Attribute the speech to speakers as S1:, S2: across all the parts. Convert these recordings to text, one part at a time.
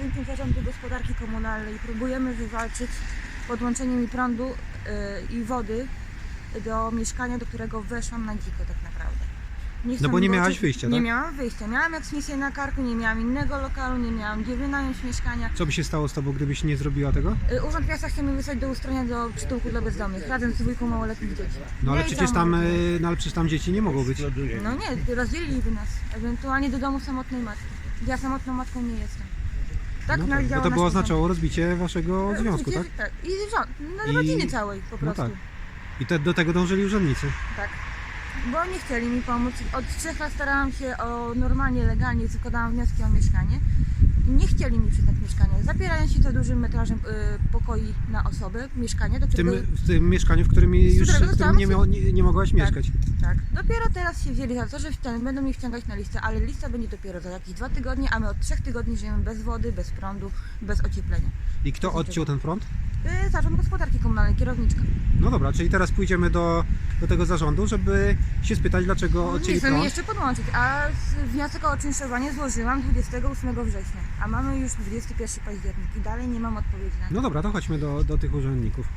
S1: budynkiem Zarządu Gospodarki Komunalnej i próbujemy wywalczyć podłączenie mi prądu i wody do mieszkania, do którego weszłam na dziko tak naprawdę.
S2: No bo nie miałaś wyjścia,
S1: Nie
S2: tak?
S1: miałam wyjścia. Miałam eksmisję na karku, nie miałam innego lokalu, nie miałam gdzie wynająć mieszkania.
S2: Co by się stało z tobą, gdybyś nie zrobiła tego?
S1: Urząd Miasta chce mnie wysłać do ustronia do przytułku dla bezdomnych, razem z dwójką małoletnich dzieci.
S2: No ale
S1: Ja i
S2: przecież
S1: całą
S2: tam,
S1: rodzinę.
S2: no ale przecież tam dzieci nie mogą być.
S1: No nie, rozdzieliliby nas, ewentualnie do domu samotnej matki. Ja samotną matką nie jestem. Tak,
S2: No, tak.
S1: działa
S2: Bo to by
S1: nasz
S2: oznaczało rozbicie waszego
S1: urząd.
S2: związku, tak?
S1: Tak, i
S2: I-
S1: rodziny całej po prostu.
S2: tak. I do tego dążyli urzędnicy.
S1: Tak. Bo nie chcieli mi pomóc. Od 3 lat starałam się o normalnie, legalnie, składałam wnioski o mieszkanie. I nie chcieli mi przyznać mieszkania. Zapierają się to dużym metrażem pokoi na osobę, mieszkanie, do którego...
S2: W tym mieszkaniu, w którym, już,
S1: którego
S2: w którym
S1: dostałam
S2: nie mogłaś mieszkać.
S1: Tak. Dopiero teraz się wzięli za to, że będą mnie wciągać na listę, ale lista będzie dopiero za jakieś 2 tygodnie, a my od 3 tygodni żyjemy bez wody, bez prądu, bez ocieplenia.
S2: I kto odciął ten prąd?
S1: Zarząd Gospodarki Komunalnej, kierowniczka.
S2: No dobra, czyli teraz pójdziemy do tego zarządu, żeby się spytać, dlaczego odcięli
S1: Nie chcę mi
S2: prąd.
S1: jeszcze podłączyć, a wniosek o oczynszowanie złożyłam 28 września, a mamy już 21 październik i dalej nie mam odpowiedzi na to.
S2: No dobra, to chodźmy do tych urzędników.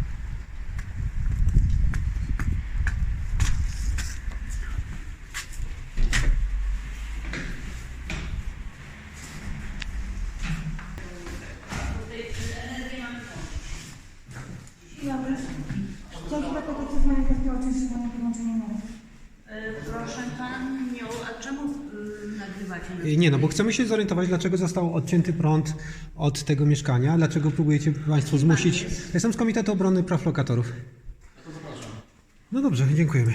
S1: Dzień dobry. Chciałam się zapytać, co z moim wnioskiem o oczynszowanie podłączenia na
S3: Proszę Panią, a czemu nagrywacie?
S2: Nie, no bo chcemy się zorientować, dlaczego został odcięty prąd od tego mieszkania, dlaczego próbujecie Państwo zmusić. Jestem z Komitetu Obrony Praw Lokatorów. No dobrze, dziękujemy.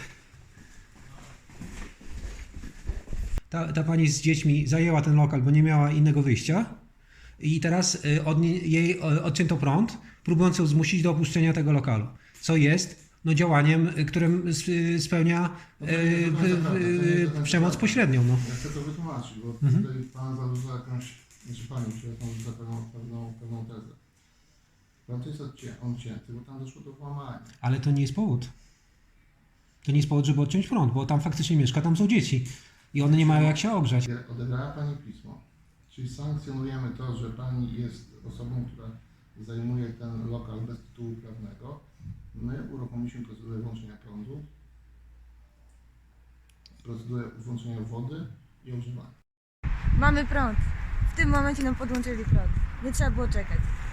S2: Ta pani z dziećmi zajęła ten lokal, bo nie miała innego wyjścia i teraz jej odcięto prąd, próbując ją zmusić do opuszczenia tego lokalu, co jest działaniem, którym spełnia przemoc pośrednią. No.
S4: Ja chcę to wytłumaczyć, bo tutaj Pan zarzuca jakąś, znaczy Pani, przepraszam, zarzuca pewną tezę. Prąd jest odcięty, bo tam doszło do włamania.
S2: Ale to nie jest powód. To nie jest powód, żeby odciąć prąd, bo tam faktycznie mieszka, tam są dzieci i one nie mają jak się ogrzać.
S4: Odebrała Pani pismo, czyli sankcjonujemy to, że Pani jest osobą, która zajmuje ten lokal bez tytułu prawnego. My uruchomiliśmy procedurę włączenia prądu, procedurę włączenia wody i ogrzewania.
S1: Mamy prąd. W tym momencie nam podłączyli prąd. Nie trzeba było czekać.